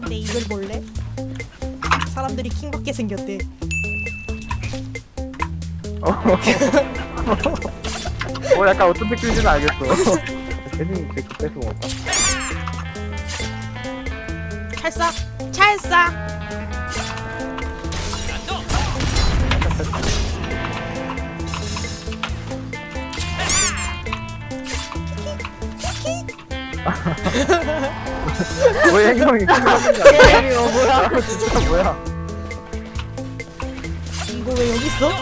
내 이걸 볼래? 사람들이 킹받게 생겼대. 약간 어떤 느낌인지는 알겠어. 괜히 제 뺏어 먹었다. 찰싹! 찰싹! 왜 행동이 이거 뭐야? 진짜 뭐야? 이거 왜 여기 있어?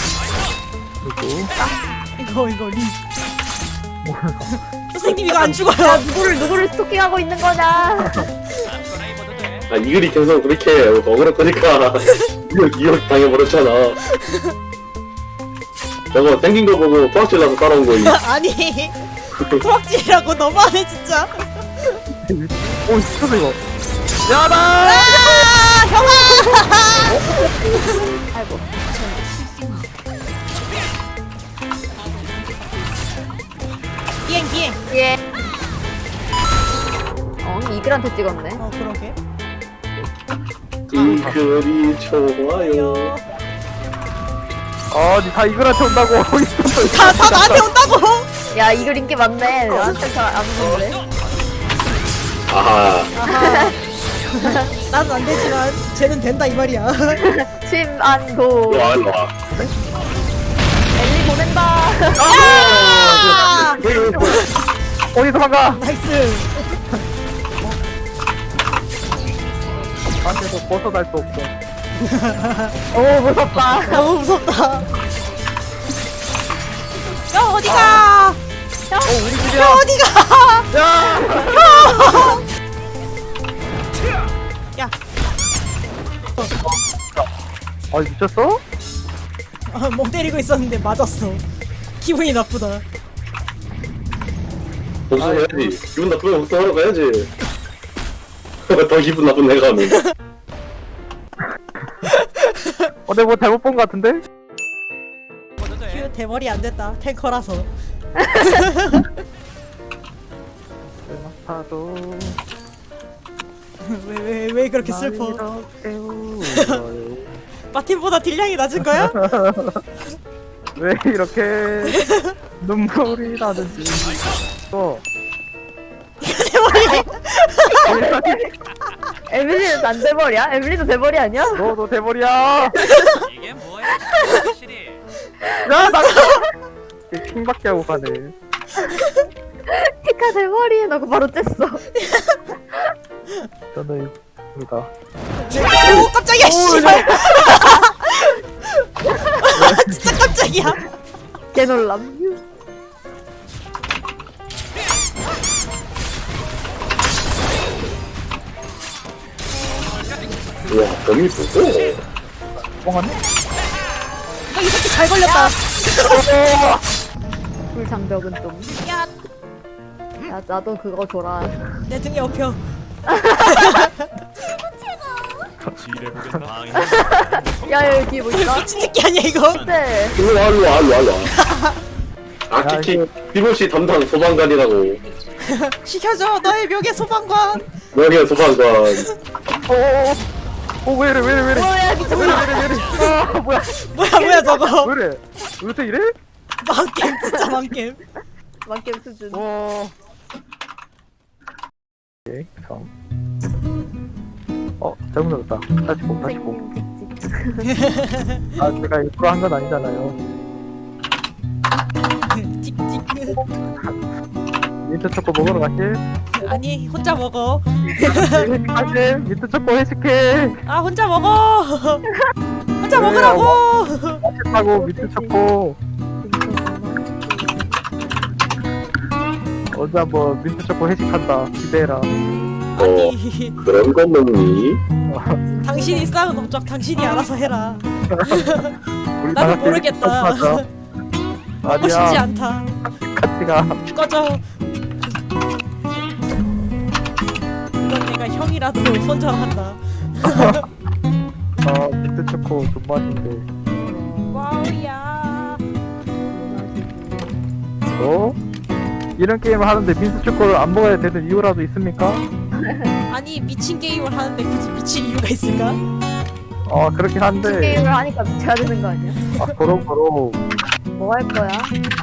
이거 리. 선생님 이거 안 죽어요. 누구를 스토킹하고 있는 거냐? 아 이글이 계속 그렇게 억울할 거니까 이거 당해버렸잖아. 저거 생긴 거 보고 토악질 나서 따라온 거임. 아니 토악질이라고 너무하네 진짜. 오 진짜 이거. 야다. 아 형아! 아이고. 비행. 예. 이글한테 찍었네. 그러게. 이글이 좋아요. 다 이글한테 온다고. 다 나한테 온다고. 야, 이글 인기 많네. 나한테 잘안 오는데. 아하. 아하. 나는 안 되지만 쟤는 된다 이 말이야. 침안도. 일로와 일로와. 엘리 보낸다. 아! 어디서 반가? 나이스. 나한테서 벗어날 수 없어. 오, 무섭다. 너무 무섭다. 야 어디가? 우리 집이야. 야 어디가? 야. 야. 미쳤어? 멍 때리고 있었는데 맞았어. 기분이 나쁘다. 복수해야지. 기분 나쁘면 복수하러 가야지. 더 기분 나쁜 내가 하면. 내가 뭐 잘못 본 거 같은데? 큐 대머리 안 됐다. 탱커라서. 파도. 왜 그렇게 슬퍼? 마틴보다 딜량이 낮은 거야? 왜 이렇게 눈물이 나는지. 대머리. 에밀리는 안 대머리야? 에밀리도 대머리 아니야? 너도 대머리야. 이게 뭐야? 확실히 야, 나 킹밖에 하고 가네. 히카 대머리 나고 바로 뗐어. 저는 입니다. 오 깜짝이야 씨발. 진짜 깜짝이야. 개놀람. 우와 범이 보고. 뻥하네? 이 새끼 잘 걸렸다. 불장벽은 좀. 야, 야, 나도 그거 줘라. 내 등에 업혀. 야, 여기 뭐 있다? 미친 새끼 아니야 이거? 네. 일로와 일로와 일로와 일로와. 아키키 피고시 담당 소방관이라고. 시켜줘 너의 묘계 소방관. 여기가 소방관. 왜이래. 뭐야, 미쳤나? 뭐야. 뭐야 저거. 왜이래. 왜 이렇게 이래? 망겜 진짜 망겜. 만겜 수준. 오케이, 참. 잘못 눌렀다. 다시 봄. 생님 직직. 제가 일부러 한 건 아니잖아요. 찍찍. 민트 초코 먹으러 가실? 아니 혼자 먹어. 회식하실? 민트 초코 회식해. 아 혼자 먹어. 혼자 먹으라고. 맛있다고 민트 초코. 어제 한번 민트 초코 회식한다. 기대해라. 아니 그런 거 먹니? 당신이 쌓은 업적 당신이 알아서 해라. 우리 나도 다 같이 모르겠다. 하자. 먹고 싶지 아니야. 않다. 같이 가. 꺼져. 이건 내가 형이라도 손절한다. 민트 초코 존맛인데. 와우야. 이런 게임을 하는데 민트 초코를 안 먹어야 되는 이유라도 있습니까? 아니 미친 게임을 하는데 굳이 미칠 이유가 있을까? 그렇긴 한데 게임을 하니까 돼야 되는 거 아니야? 그럼 뭐 할 거야?